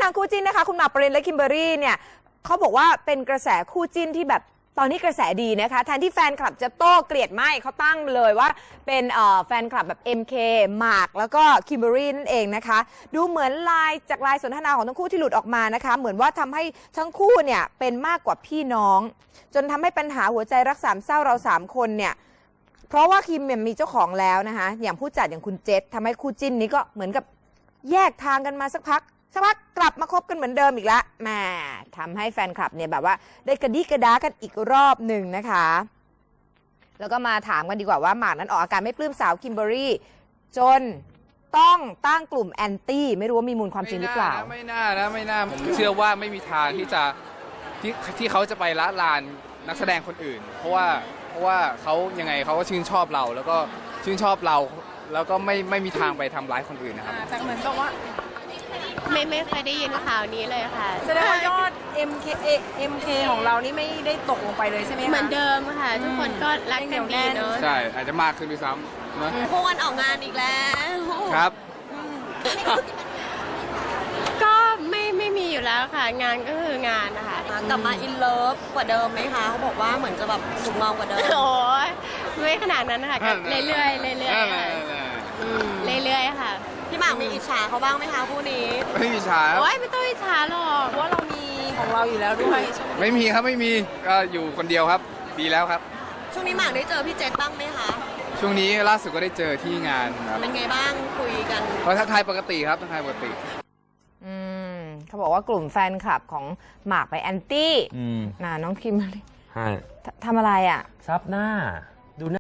างคู่จิ้นนะคะคุณหมากปรินและคิมเบอรรี่เนี่ยเขาบอกว่าเป็นกระแสคู่จิ้นที่แบบตอนนี้กระแสดีนะคะแทนที่แฟนคลับจะโต้เกลียดไม่เขาตั้งเลยว่าเป็นแฟนคลับแบบ MK หมากแล้วก็คิมเบอรรี่นั่นเองนะคะดูเหมือนไลน์สนทนาของทั้งคู่ที่หลุดออกมานะคะเหมือนว่าทำให้ทั้งคู่เนี่ยเป็นมากกว่าพี่น้องจนทำให้ปัญหาหัวใจรักสามเศร้าเรา3คนเนี่ยเพราะว่าคิมมีเจ้าของแล้วนะคะอย่างผู้จัดอย่างคุณเจษทำให้คู่จิ้นนี้ก็เหมือนกับแยกทางกันมาสักพักกลับมาคบกันเหมือนเดิมอีกแล้วแหมทำให้แฟนคลับเนี่ยแบบว่าได้กระดิกระดากันอีกรอบหนึ่งนะคะแล้วก็มาถามกันดีกว่าว่าหมากนั้นออกอาการไม่ปลื้มสาวคิมเบอรรี่จนต้องตั้งกลุ่มแอนตี้ไม่รู้ว่ามีมูลความจริงหรือเปล่าไม่น่าผมเชื่อว่าไม่มีทางที่เขาจะไปละลานนักแสดงคนอื่นเพราะว่าเขายังไงเขาก็ชื่นชอบเราแล้วก็ชื่นชอบเราแล้วก็ไม่มีทางไปทำร้ายคนอื่นนะครับแต่เหมือนกับว่าไม่เคยได้ยินข่าวนี้เลยค่ะแสดงว่ายอด MK ของเรานี่ไม่ได้ตกลงไปเลยใช่ไหมคะเหมือนเดิมค่ะทุกคนก็รักกันดีเนาะใช่อาจจะมากขึ้นด้วยซ้ำนะคู่กันออกงานอีกแล้วครับก็ไม่มีอยู่แล้วค่ะงานก็คืองานนะคะกลับมาอินเลิฟกว่าเดิมไหมคะเขาบอกว่าเหมือนจะแบบสุขเมากว่าเดิมโอ้ยไม่ขนาดนั้นค่ะเรื่อยๆค่ะพี่หมากมีอิจฉาเขาบ้างไหมคะคู่นี้ไม่มีอิจฉาโอ้ยไม่ต้องอิจฉาหรอกเพราะว่าเรามีของเราอยู่แล้วด้วยไม่มีครับไม่มีก็อยู่คนเดียวครับดีแล้วครับช่วงนี้หมากได้เจอพี่เจษบ้างไหมคะช่วงนี้ล่าสุดก็ได้เจอที่งานครับเป็นไงบ้างคุยกันก็ทักทายปกติครับทักทายปกติเขาบอกว่ากลุ่มแฟนคลับของหมากไปแอนตี้น้องคิมใช่ทำอะไรอ่ะซับหน้า